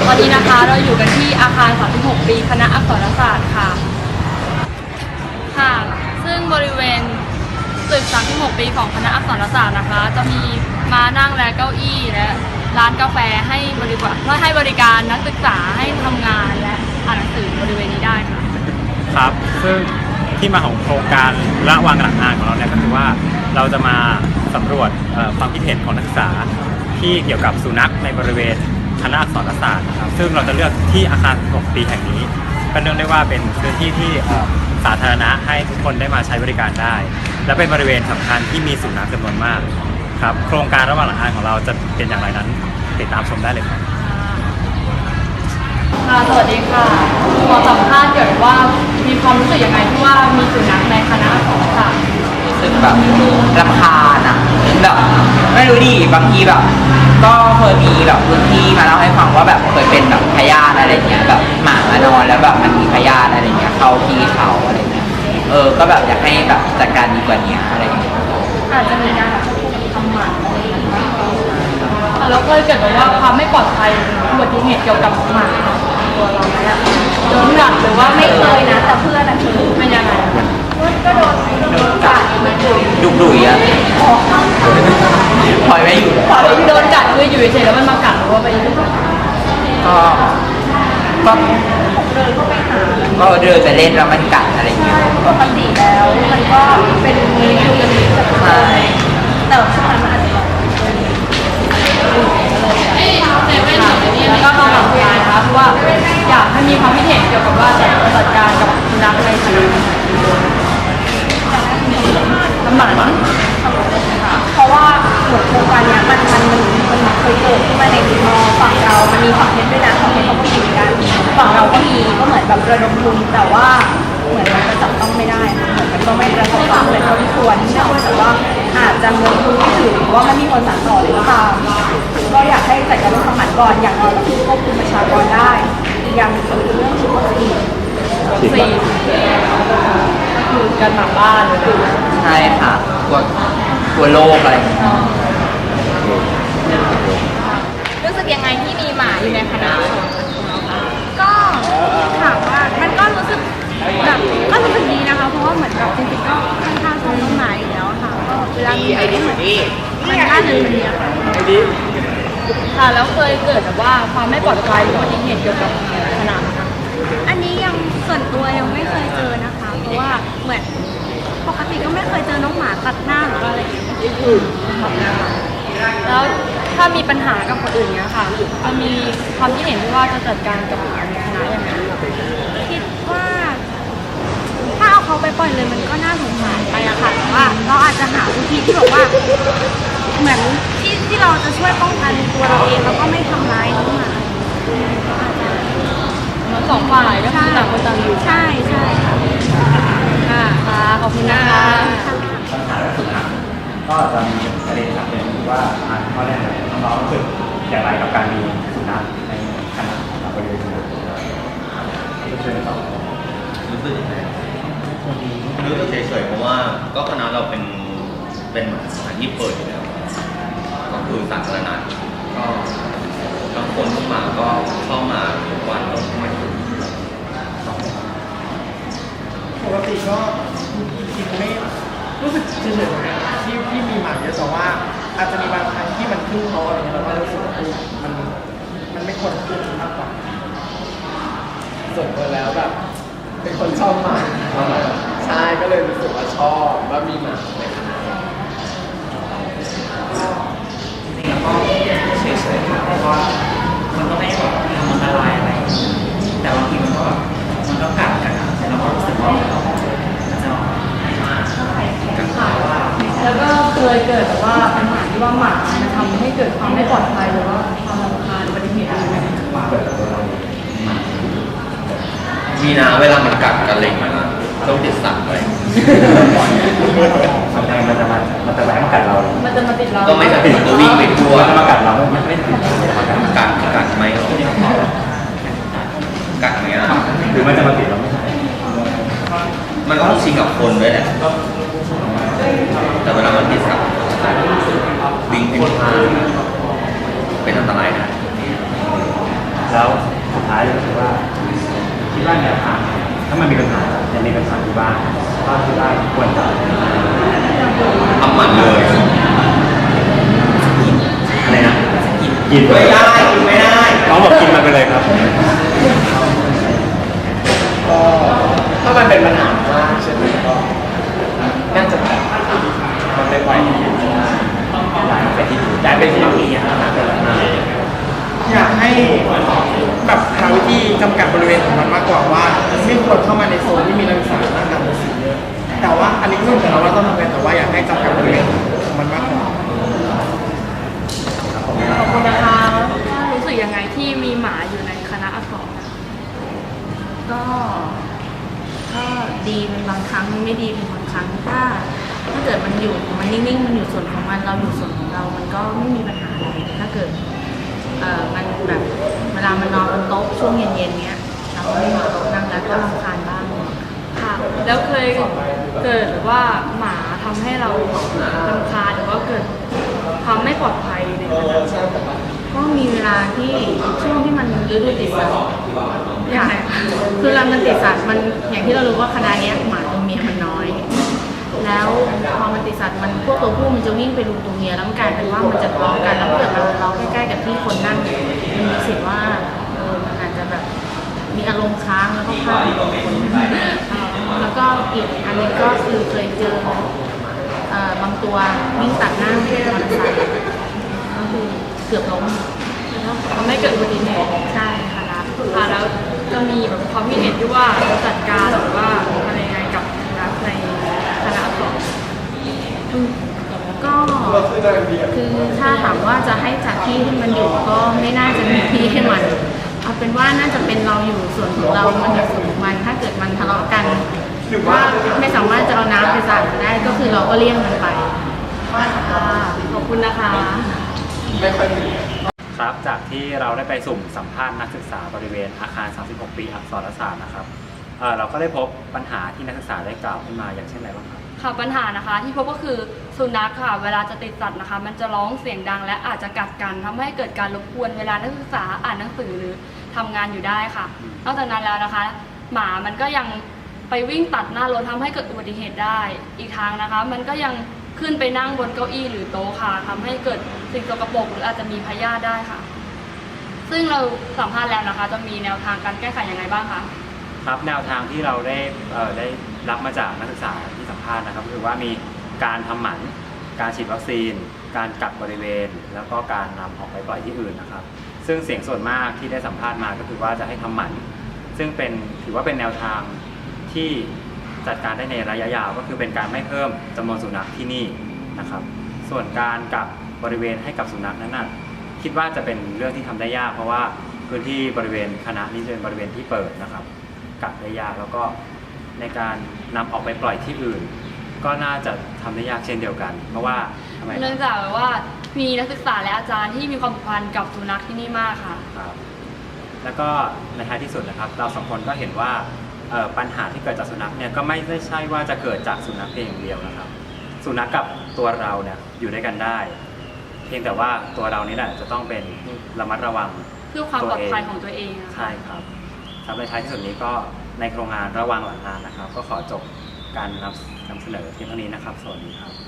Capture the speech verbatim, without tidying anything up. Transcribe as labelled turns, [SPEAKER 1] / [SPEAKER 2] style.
[SPEAKER 1] ตอนนี้นะคะเราอยู่กันที่อาคารสามสิบหกปีคณะอักษรศาสตร์ค่ะค่ะซึ่งบริเวณตึกสามสิบหกปีของคณะอักษรศาสตร์นะคะจะมีม้านั่งและเก้าอี้และร้านกาแฟให้บริการเพื่อให้บริการนักศึกษาให้ทำงานและอ่านหนังสือบริเวณนี้ได้ค่ะ
[SPEAKER 2] ครับซึ่งที่มาของโครงการละวางหลักงานของเราเนี่ยก็คือว่าเราจะมาสำรวจความคิดเห็นของนักศึกษาที่เกี่ยวกับสุนัขในบริเวณคณะอักษรศาสตร์นะครับซึ่งเราจะเลือกที่อาคารหกปีแห่งนี้ก็เนื่องได้ว่าเป็นพื้นที่ที่สาธารณะให้ทุกคนได้มาใช้บริการได้และเป็นบริเวณสำคัญที่มีสุนัขจำนวนมากครับโครงการระหว่างหลักงานของเราจะเป็นอย่างไรนั้นติดตามชมได้เลยครับ
[SPEAKER 1] ค่ะสวัสดีค่ะขอสัมภาษณ์เกี่ยวกับว่ามีความรู้สึกยังไงที่ว่ามีสุนัขในคณะอักษรศาสตร์
[SPEAKER 3] รู้สึกแบบรำคาญอ่ะแบบไม่รู้ดิบางทีแบบก็เคยมีแบบพื้นที่มาเล่าให้ฟังว่าแบบเคยเป็นแบบพยาธิอะไรเงี้ยแบบหมามานอนแล้วแบบมันมีพยาธิอะไรเงี้ยเข้าที่เขาอะไรเงี้ยเออก็แบบอยากให้แบบจัดการดีกว่านี้อะไรเงี้ย
[SPEAKER 1] อาจจะมีการทำหมันแล้วเคยเกิดแบบว่าความไม่ปลอดภัยอุบัติเหตุเกี่ยวกับหมาตัวเราไหมอะโดนกัดหรือว่าไม่เคยนะแต่เพื่อนอะคือมันยังไงก็โดนโดนกัดมันดุย
[SPEAKER 3] ดุดุยอะปล่อยไม่อยู่
[SPEAKER 1] ปล่อยโดนกัดคืออยู่เฉยแล้วมันมากัดหรือว่าไป
[SPEAKER 3] ก็ก็เดินเข้าไปหาก็เดินไปเล่นแล้วมันกัดอะไรเงี้ย
[SPEAKER 1] ปกติแล้วมันก็เป็นมืออยู่กันใช่แต่ช่วงนั้นมันอาจจะแล้วก็มาหลังการนะคะเพราะว่าอยากให้มีความคิดเห็นเกี่ยวกับว่าจะจัดการกับสุนัขในคณะน้ำหมันเพราะว่าเหมือนโครงการนี้มันมันมันมันเคยเกิดขึ้นมาในมอฝั่งเรามันมีฝั่งเพชรด้วยนะฝั่งเพชรเขาก็มีเหมือนกันฝั่งเราก็มีก็เหมือนแบบระดมทุนแต่ว่าเหมือนมันจับต้องไม่ได้เหมือนมันก็ไม่ประสบความสำเร็จเท่าที่ควรเนื่องจากว่าอาจจะเงินทุนไม่ถึงหรือว่าไม่มีคนสานต่อหรือเปล่าก็อยากให้จัดการเรื่องทำหมันก่อนอย่างน้อยก็คือควบคุมประชากรได้อีกอย่างคือเรื่องฉีดวัคซีนวัคซีนก็คือการหมาบ้านเลย
[SPEAKER 3] ใช่ค่ะกลัวกลัวโรคอะไร
[SPEAKER 1] รู้สึกยังไงที่มีหมาอยู่ในคณะก็ถามว่ามันก็รู้สึกแบบก็รู้สึกดีนะคะเพราะว่าเหมือนกับจริงๆก็ค่อนข้างชอบต้นไม้อยู่แล้วค่ะก็เวลามีอะไรเหมือนมันน่าจะดีอะค่ะค่ะแล้วเคยเกิดแบบว่าความไม่ปลอดภัยหรืออุบัติเหตุเกี่ยวกับคณะอันนี้ยังส่วนตัวยังไม่เคยเจอนะคะเพราะว่าเหมือนปกติก็ไม่เคยเจอน้องหมาตัดหน้าหรืออะไรอย่างเงี้ยแล้วถ้ามีปัญหากับคนอื่นเนี้ยค่ะจะมีความคิดเห็นที่ว่าจะจัดการกับคณะยังไงคิดว่าถ้าเอาเขาไปปล่อยเลยมันก็น่าสงสารไปอะค่ะแต่ว่าเราอาจจะหาวิธีที่แบบว่าเหมือนที่ที่เราจะช่วยป้องกันตัวเราเองแล้วก็ไม่ทำร้ายน้องหมาทั้งสองฝ่ายก็คือต่างคนต่างอยู่ใช่ใช่ค่ะค่ะขอบคุณนะคะ
[SPEAKER 2] ปัญหาสุนัขก็จะมีประเด็นหลักเลยว่าข้อแรกน้องๆรู้สึกอย่างไรกับการมีสุนัขในคณะบริเวณนี้รู้สึกต่อ
[SPEAKER 4] รู้สึกยังไงรู้สึกเฉยๆเพราะว่าก็คณะเราเป็นเป็นสถานที่เปิดอยู่แล้วก็คือสาธารณะก็บางคนทุกมาก็เข้ามาทุกวันแล้วไม่ถึง
[SPEAKER 5] ปกติก็จริงๆไม่รู้สึกเฉยๆนะที่ที่มีหมาเยอะแต่ว่าอาจจะมีบางครั้งที่มันขึ้นโต๊ะอะไรเงี้ยเราก็รู้สึกว่ามันมันไม่ควรขึ้นมากกว่าส่วนตัวแล้วแบบเป็นคนชอบหมาใช่ก็เลยรู้สึกว่าชอบว่ามีหมาในคณะ
[SPEAKER 3] จริงๆแล้วก็เฉยๆเพราะว่ามันก็ไม่แบบทำอันตรายอะไรแต่บางทีมันก็มันก็กัดกันเราก็รู้สึกว่าเราจะมา
[SPEAKER 1] แล้วก็เคยเกิดแบบว่าปัญหาที่ว่าหมามันทำให้เกิดความไม่ปลอดภัยหรือว่าความรำคาญอุบัติเหตุอะไรไหม
[SPEAKER 4] มีนะเวลามันกัดกันเล็งมันต้องติดสัตว์ไว้
[SPEAKER 2] มันจะมันจะมามันจะแรงมากัดเรา
[SPEAKER 1] มันจะมาติดเรา
[SPEAKER 4] ก็ไม่จะติดตัววิ่งไปทั่ว
[SPEAKER 2] มันจะมากัดเราไม่ไม่ติด
[SPEAKER 4] กัดกัดไหมกัดไหมอ่ะ
[SPEAKER 2] หรือมันจะมาติดเราไม่ใช่
[SPEAKER 4] มันก็ต้องชิงกับคนด้วยแหละแต่เวลามันติดสัตว์วิ่งให้พลาดเป็นอันตรายนะ
[SPEAKER 2] แล้วสบ้างก็คิดว่าควรจะ
[SPEAKER 4] ทำหมันเลย
[SPEAKER 2] อะไรนะกิน
[SPEAKER 4] ไม่ได้กินไม่ได้
[SPEAKER 2] น้องบอกกินมันไปเลยครับ
[SPEAKER 5] ก็ถ้ามันเป็นปัญหามากใช่ไหมก็น่าจะแบบมันไม่ไหวย้ายไปที่ย้ายไปที่นี่อ่ะอยากให้แบบหาวิธีจำกัดบริเวณของมันมากกว่าว่าไม่ควรเข้ามาในโซนที่มีนักศึกษานั่งกันสีเยอะแต่ว่าอันนี้ก็ไม่ถึงเราว่าต้องทำไงแต่ว่าอยากให้จำกัดบริเวณของมันมากกว่า
[SPEAKER 1] ขอบคุณนะคะรู้สึกยังไงที่มีหมาอยู่ในคณะอักษร
[SPEAKER 6] ก็ก็ดีเป็นบางครั้งไม่ดีเป็นบางครั้งถ้าถ้าเกิดมันอยู่มันนิ่งๆมันอยู่ส่วนของมันเราอยู่ส่วนของเรา มันก็ไม่มีปัญหาอะไรถ้าเกิดเอ่อมันแบบเวลามันนอนบนโต๊ะช่วงเย็นๆเนี้ยเราก็ไม่มีโต๊ะนั่งแล้วก็รำคาญบ้าง
[SPEAKER 1] ค่ะ แล้วเคยเกิดว่าหมาทำให้เรารำคาญหรือว่าเกิดความไม่ปลอดภัยในคณะ
[SPEAKER 6] ก็มีเวลาที่ช่วงที่มันฤดูติดสัตว์อย่างไรคือเวลามันติดสัตว์มันอย่างที่เรารู้ว่าคณะเนี้ยหมาตัวเมียมันน้อย แล้วพอมันติดสัตว์มันพวกตัวผู้มันจะวิ่งไปดูตัวเมียแล้วมันกลายเป็นว่ามันจะทะเลาะกันแล้วถ้าเกิดเราเราใกล้ๆกับที่คนนั่งมันมีสิทธิ์ว่าเออมันอาจจะแบบมีอารมณ์ค้างแล้วก็พลาดแล้วก็อีกอันนี้ก็คือเคยเจอเอ่อบางตัววิ่งตัดหน้ามอเตอร์ไซค์ก็คือเกือบล้ม
[SPEAKER 1] ทำให้เกิดอุบัติเหตุ
[SPEAKER 6] ใช่ค่ะรับ
[SPEAKER 1] ค่ะแล้วจะมีแบบความคิดเห็นที่ว่าจัดการหรือว่าอะไรยังไงกับรัฐในคณะอักษร
[SPEAKER 6] ก็คือถ้าถามว่าจะให้จัดที่ให้มันอยู่ก็ไม่น่าจะมีที่ให้มันเอาเป็นว่าน่าจะเป็นเราอยู่ส่วนของเรามันอยู่ส่วนของมันถ้าเกิดมันทะเลาะกันหรือว่าไม่สามารถจะเอาน้ำไปสาดได้ก็คือเราก็เลี่ยงมันไป
[SPEAKER 1] ค่ะขอบคุณนะคะ
[SPEAKER 2] ครับจากที่เราได้ไปสุ่มสัมภาษณ์นักศึกษาบริเวณอาคาร สามสิบหก ปีอักษรศาสตร์นะครับเอ่อเราก็ได้พบปัญหาที่นักศึกษาได้กล่าวขึ้นมาอย่างเช่นอะไรบ้างครับ
[SPEAKER 1] ค่ะปัญหานะคะที่พบก็คือสุนัขค่ะเวลาจะติดสัตว์นะคะ มันจะร้องเสียงดังและอาจจะกัดกันทำให้เกิดการรบกวนเวลานักศึกษาอ่านหนังสือหรือทำงานอยู่ได้ค่ะ นอกจากนั้นแล้วนะคะ หมามันก็ยังไปวิ่งตัดหน้ารถทำให้เกิดอุบัติเหตุได้ อีกทางนะคะ มันก็ยังขึ้นไปนั่งบนเก้าอี้หรือโต๊ะค่ะทำให้เกิดสิ่งสกปรกหรืออาจจะมีพยาธิได้ค่ะ ซึ่งเราสัมภาษณ์แล้วนะคะ จะมีแนวทางการแก้ไขยังไงบ้างคะ
[SPEAKER 2] ครับแนวทางที่เราได้เอ่อได้รับมาจากนักศึกษาที่สัมภาษณ์นะครับก็คือว่ามีการทำหมันการฉีดวัคซีน การกักบริเวณ แล้วก็การนำออกไปปล่อยที่อื่นนะครับ ซึ่งเสียงส่วนมากที่ได้สัมภาษณ์มาก็คือว่าจะให้ทำหมันซึ่งเป็นถือว่าเป็นแนวทางที่จัดการได้ในระยะยาวก็คือเป็นการไม่เพิ่มจำนวนสุนัขที่นี่นะครับ ส่วนการกักบริเวณให้กับสุนัขนั้นนะคิดว่าจะเป็นเรื่องที่ทำได้ยาก เพราะว่าพื้นที่บริเวณคณะนี้จะเป็นบริเวณที่เปิดนะครับกักได้ยากแล้วก็ในการนำออกไปปล่อยที่อื่น ก็น่าจะทำได้ยากเช่นเดียวกัน เพราะว่าทำไม
[SPEAKER 1] เนื่องจากว่ามีนักศึกษาและอาจารย์ที่มีความผูกพันกับสุนัขที่นี่มากค่ะ
[SPEAKER 2] ครับแล้วก็ในท้ายที่สุดนะครับเราสองคนก็เห็นว่าเอ่อปัญหาที่เกิดจากสุนัขเนี่ยก็ไม่ได้ใช่ว่าจะเกิดจากสุนัขเพียงอย่างเดียวนะครับ สุนัขกับตัวเราเนี่ยอยู่ด้วยกันได้ เพียงแต่ว่าตัวเรานี่แหละจะต้องเป็นระมัดระวัง
[SPEAKER 1] เพื่อความปลอดภัยของตัวเองนะคะ
[SPEAKER 2] ใช่ครับครับในท้ายที่สุดนี้ก็ในโครงงานระวังหลังงานนะครับ ก็ขอจบการนำนำเสนอเพียงเท่านี้นะครับ สวัสดีครับ